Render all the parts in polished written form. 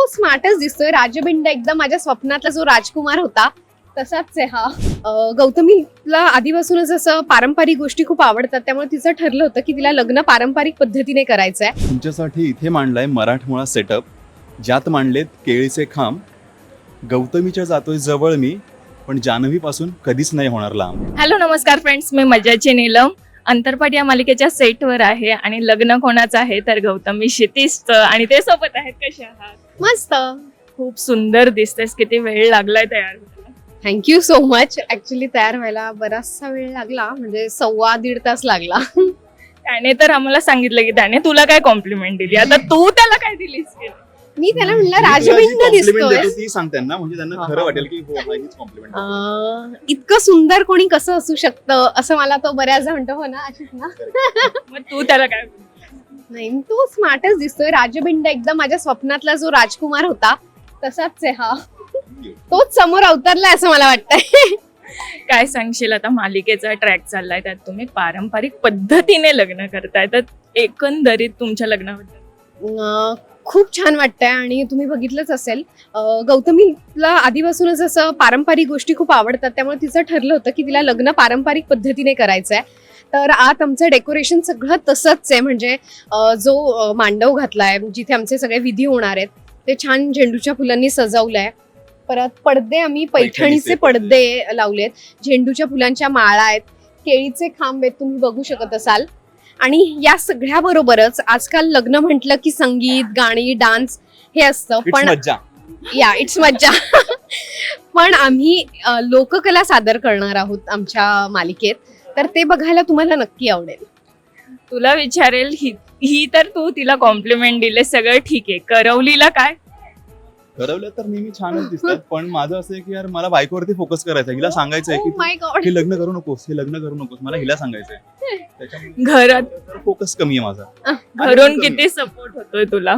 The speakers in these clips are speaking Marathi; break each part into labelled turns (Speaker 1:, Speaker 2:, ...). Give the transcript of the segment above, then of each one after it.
Speaker 1: तो स्मार्टच दिसतोय. राजबिंड एकदम माझ्या स्वप्नातला जो राजकुमार होता तसाच आहे हा. गौतमीला आधीपासूनच असं पारंपरिक गोष्टी खूप आवडतात, त्यामुळे तिचं ठरलं होतं की तिला लग्न पारंपरिक पद्धतीने करायचंय.
Speaker 2: तुमच्यासाठी इथे मांडलाय मराठमोळा सेटअप, ज्यात मांडलेत केळीचे खांब. गौतमीच्या जातोय जवळ मी, पण जान्हवीपासून कधीच नाही होणार लांब.
Speaker 3: हॅलो नमस्कार फ्रेंड्स, मी मजाची नीलम अंतरपाट या मालिकेच्या सेटवर आहे आणि लग्न कोणाचं आहे तर गौतमी क्षितिजचं, आणि ते सोबत आहेत. कसे आहात?
Speaker 1: मस्त.
Speaker 3: खूप सुंदर दिसतेस. किती वेळ लागलाय तयार व्हायला?
Speaker 1: Thank you so much. ऍक्च्युली तयार व्हायला बराचसा वेळ लागला, म्हणजे 1.25 तास लागला.
Speaker 3: त्याने तर आम्हाला सांगितलं की त्याने तुला काय कॉम्प्लिमेंट दिली, आता तू त्याला काय दिलीस?
Speaker 1: मी त्याला म्हणलं
Speaker 2: मी तुला जी
Speaker 1: राजबिंड
Speaker 2: compliment
Speaker 1: दिसतोय.
Speaker 2: देतो ती सांग त्यांना, म्हणजे त्यांना खरं वाटेल की हो, हा हीच कॉम्प्लिमेंट.
Speaker 1: इतकं सुंदर कोणी कसं असू शकतं असं मला तो बऱ्याचदा म्हणतो. हो ना, अशीच ना.
Speaker 3: मग तू त्याला काय बोलली?
Speaker 1: नाही, तो स्मार्टच दिसतोय. राजबिंड एकदम माझ्या स्वप्नातला जो राजकुमार होता तसाच आहे हा. तोच समोर अवतरलाय असं मला वाटतंय.
Speaker 3: काय सांगशील? आता मालिकेचा ट्रॅक चाललाय, त्यात तुम्ही पारंपरिक पद्धतीने लग्न करताय, तर एकंदरीत तुमच्या लग्नाबद्दल
Speaker 1: खूप छान वाटतंय. आणि तुम्ही बघितलंच असेल, गौतमीला आधीपासूनच असं पारंपरिक गोष्टी खूप आवडतात, त्यामुळे तिचं ठरलं होतं की तिला लग्न पारंपरिक पद्धतीने करायचंय. तर आत आमचं डेकोरेशन सगळं तसंच आहे, म्हणजे जो मांडव घातलाय जिथे आमचे सगळे विधी होणार आहेत ते छान झेंडूच्या फुलांनी सजवलंय. परत पडदे आम्ही पैठणीचे पडदे लावलेत, झेंडूच्या फुलांच्या माळा आहेत, केळीचे खांब आहेत, तुम्ही बघू शकत असाल. आणि या सगळ्या बरोबरच आजकाल लग्न म्हटलं की संगीत, गाणी, डान्स हे असतं, पण
Speaker 2: मज्जा.
Speaker 1: इट्स मज्जा. पण आम्ही लोककला सादर करणार आहोत आमच्या मालिकेत, तर ते बघायला तुम्हाला नक्की आवडेल.
Speaker 3: तुला विचारेल, ही तर तू तिला कॉम्प्लिमेंट दिले, सगळं ठीक आहे, करवलीला काय?
Speaker 2: ठरवलं तर नेहमी छानच दिसतात, पण माझं असं आहे की यार मला बायकोवरती फोकस करायचा, हिला सांगायचंय
Speaker 1: Oh
Speaker 2: की
Speaker 1: my God.
Speaker 2: हे लग्न करू नकोस, हे लग्न करू नकोस, मला हिला सांगायचंय. त्याच्यामुळे
Speaker 3: घरात
Speaker 2: फोकस कमी आहे माझा.
Speaker 3: घरून किती सपोर्ट होतोय तुला?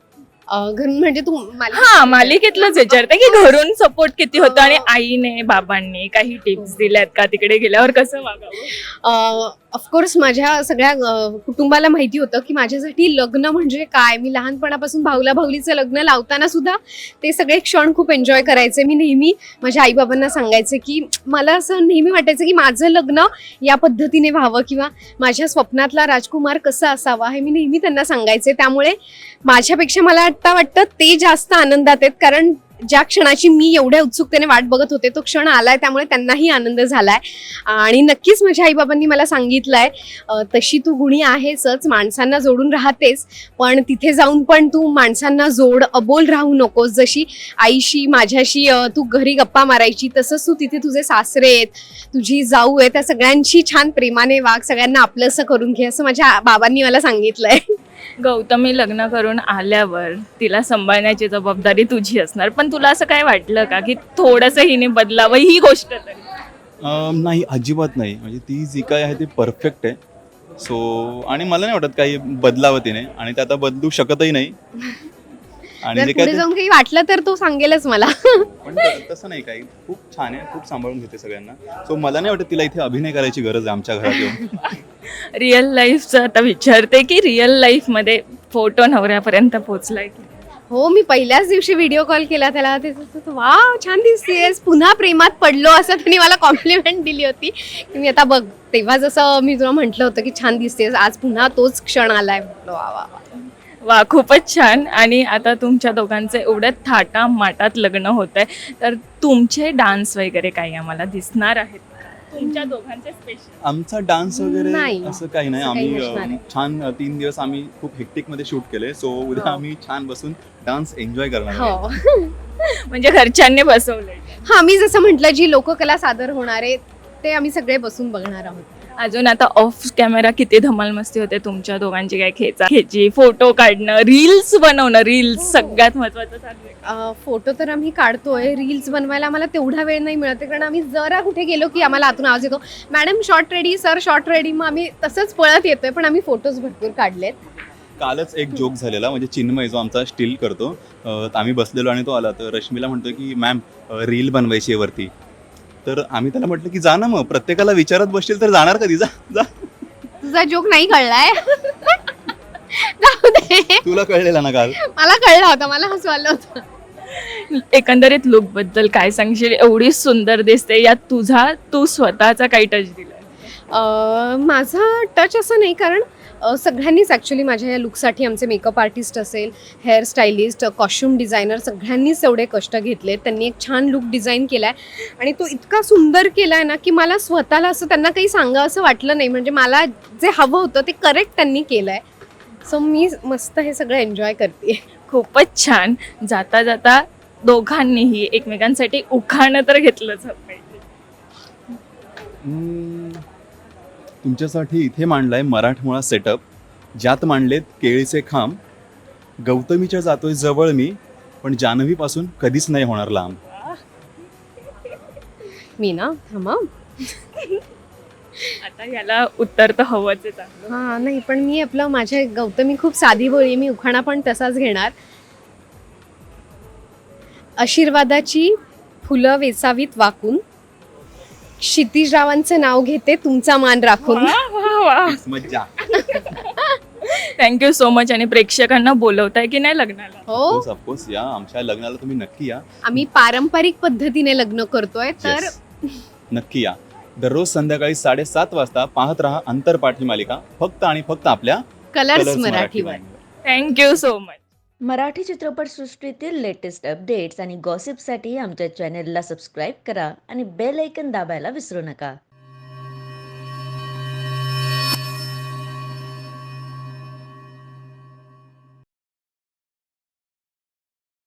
Speaker 1: घरून म्हणजे तू
Speaker 3: हा, मालिकेतलंच विचारते की घरून सपोर्ट किती होतो, आणि आईने बाबांनी काही टिप्स दिल्यात का तिकडे गेल्यावर कसं वागावं?
Speaker 1: ऑफकोर्स माझ्या सगळ्या कुटुंबाला माहिती होतं की माझ्यासाठी लग्न म्हणजे काय. मी लहानपणापासून भाऊला भाऊलीचं लग्न लावताना सुद्धा ते सगळे क्षण खूप एन्जॉय करायचे. मी नेहमी माझ्या आईबाबांना सांगायचे की मला असं नेहमी वाटायचं की माझं लग्न या पद्धतीने व्हावं, किंवा माझ्या स्वप्नातला राजकुमार कसा असावा हे मी नेहमी त्यांना सांगायचे. त्यामुळे माझ्यापेक्षा मला आता वाटतं ते जास्त आनंदात आहेत, कारण ज्या क्षणाची मी एवढ्या उत्सुकतेने वाट बघत होते तो क्षण आलाय, त्यामुळे त्यांनाही आनंद झालाय. आणि नक्कीच माझ्या आईबाबांनी मला सांगितलंय तशी तू गुणी आहेसच, माणसांना जोडून राहतेस, पण तिथे जाऊन पण तू माणसांना जोड, अबोल राहू नकोस. जशी आईशी माझ्याशी तू घरी गप्पा मारायची, तसंच तू तिथे तुझे सासरे आहेत, तुझी जाऊ आहे, त्या सगळ्यांशी छान प्रेमाने वाग, सगळ्यांना आपलंसं करून घे, असं माझ्या बाबांनी मला सांगितलंय.
Speaker 3: गौतमी लग्न करून आल्यावर तिला सांभाळण्याची जबाबदारी तुझी असणार, पण तुला असं काय वाटलं का की थोडंसं हिने बदलावं ही गोष्ट तरी?
Speaker 2: नाही, अजिबात नाही. म्हणजे ती जी काय आहे ती परफेक्ट आहे. सो आणि मला नाही वाटत काही बदलावं तिने, आणि ते आता बदलू शकतही नाही. आणि
Speaker 1: जर
Speaker 2: जे
Speaker 1: पुढे
Speaker 2: काय
Speaker 1: जाऊन काही वाटलं तर तो सांगेलच मला.
Speaker 2: पण तसं नाही, काही खूप छान आहे, खूप सांभाळून घेते सगळ्यांना. सो मला नाही वाटत तिला इथे अभिनय करायची गरज आहे आमच्या घरात येऊन.
Speaker 3: रिअल लाईफचं आता विचारते की रिअल लाईफ मध्ये फोटो नवऱ्यापर्यंत पोहोचलाय की?
Speaker 1: हो, मी पहिल्याच दिवशी व्हिडिओ कॉल केला त्याला, वाव छान दिसतेस, पुन्हा प्रेमात पडलो असं त्यांनी मला कॉम्प्लिमेंट दिली होती की मी आता बघ, तेव्हा जसं मी तुला म्हटलं होतं की छान दिसतेस, आज पुन्हा तोच क्षण आलाय. म्हटलं वा वा वा.
Speaker 3: वा, खूपच छान. आणि आता तुमच्या दोघांचं एवढ्या थाटा माटात लग्न होत आहे, तर तुमचे डान्स वगैरे काही आम्हाला दिसणार आहेत तुमच्या दोघांचे स्पेशल?
Speaker 2: आमचा डान्स वगैरे
Speaker 1: नाही,
Speaker 2: असं काही नाही.
Speaker 1: असं काही
Speaker 2: आम्ही
Speaker 1: नसणार आहे.
Speaker 2: छान 3 दिवस आम्ही खूप हेक्टिक मध्ये शूट केले. सो उद्या
Speaker 1: हो.
Speaker 2: आम्ही छान बसून डान्स एन्जॉय करणार आहोत.
Speaker 1: हो.
Speaker 3: म्हणजे घरच्यांनी बसवलंय?
Speaker 1: हा, मी जसं म्हटलं जी लोककला सादर होणार आहे ते आम्ही सगळे बसून बघणार आहोत.
Speaker 3: अजून आता ऑफ कॅमेरा किती धमाल मस्ती होते तुमच्या दोघांची, काय खेची, फोटो काढणं, रील्स बनवणं, रील्स सगळ्यात महत्वाचं चाललंय.
Speaker 1: फोटो तर आम्ही काढतोय, रील्स बनवायला आम्हाला तेवढा वेळ नाही मिळत, कारण आम्ही जरा कुठे गेलो की आम्हाला आतून आवाज येतो, madam shot ready, sir shot ready, मग आम्ही तसंच पळत येतोय. पण आम्ही फोटोज भरपूर काढलेत.
Speaker 2: कालच एक जोक झालेला, म्हणजे चिन्मय जो आमचा स्टील करतो, आम्ही बसलेलो आणि तो आला, तर रश्मीला म्हणतो की मॅम रील बनवायची आहे वरती. तर आम्ही त्याला म्हटलं की जा ना, मग प्रत्येकाला विचारत बसशील तर जाणार कधी, जा जा.
Speaker 1: तुझा जोक नाही कळलाय. जाऊ दे.
Speaker 2: तुला कळलेला ना काल.
Speaker 1: मला कळलं होतं, मला हसू आलं होतं.
Speaker 3: एकंदरीत लुक बद्दल काय सांगशील? एवढी सुंदर दिसते, यात तू स्वतःचा काही टच दिला?
Speaker 1: माझा टच असं नाही, कारण सगळ्यांनीच ॲक्च्युली माझ्या या लुकसाठी, आमचे मेकअप आर्टिस्ट असेल, हेअर स्टायलिस्ट, कॉस्ट्युम डिझायनर, सगळ्यांनीच एवढे कष्ट घेतले. त्यांनी एक छान लुक डिझाईन केला आहे आणि तो इतका सुंदर केला आहे ना, की मला स्वतःला असं त्यांना काही सांगा असं वाटलं नाही. म्हणजे मला जे हवं होतं ते करेक्ट त्यांनी केलं आहे. सो मी मस्त हे सगळं एन्जॉय करते.
Speaker 3: खूपच छान. जाता जाता दोघांनीही एकमेकांसाठी उखाणं तर घेतलंच पाहिजे.
Speaker 2: तुमच्यासाठी इथे मांडलाय मराठमोळा सेटअप, ज्यात मांडलेत केळीचे खांब. गौतमीच्या जातोय जवळ मी, पण जान्हवीपासून कधीच नाही होणार लांब.
Speaker 1: मी ना थांबा.
Speaker 3: आता याला उत्तर तर हवंच आहे चांगलं.
Speaker 1: हां नाही, पण मी आपलं माझ्या गौतमी खूप साधी बोळी, मी उखाणा पण तसाच घेणार. आशीर्वादाची फुलं वेचावीत वाकून, क्षितिजरावांचे नाव घेते तुमचा मान राखून.
Speaker 2: मज्जा.
Speaker 3: Thank you so much. आणि प्रेक्षकांना बोलवताय की नाही लग्नाला?
Speaker 1: हो,
Speaker 2: ऑफकोर्स या, आमच्या लग्नाला तुम्ही नक्की या.
Speaker 1: आम्ही पारंपरिक पद्धतीने लग्न करतोय, तर
Speaker 2: Yes. नक्की या. दररोज संध्याकाळी 7:30 वाजता पाहत रहा अंतरपाठी मालिका, फक्त आणि फक्त आपल्या
Speaker 1: कलर्स
Speaker 2: कलर्स
Speaker 1: मराठीवर.
Speaker 3: Thank you so much.
Speaker 4: मराठी चित्रपटसृष्टीतील लेटेस्ट अपडेट्स आणि गॉसिपसाठी आमच्या चॅनेलला सबस्क्राईब करा आणि बेल ऐकन दाबायला विसरू नका.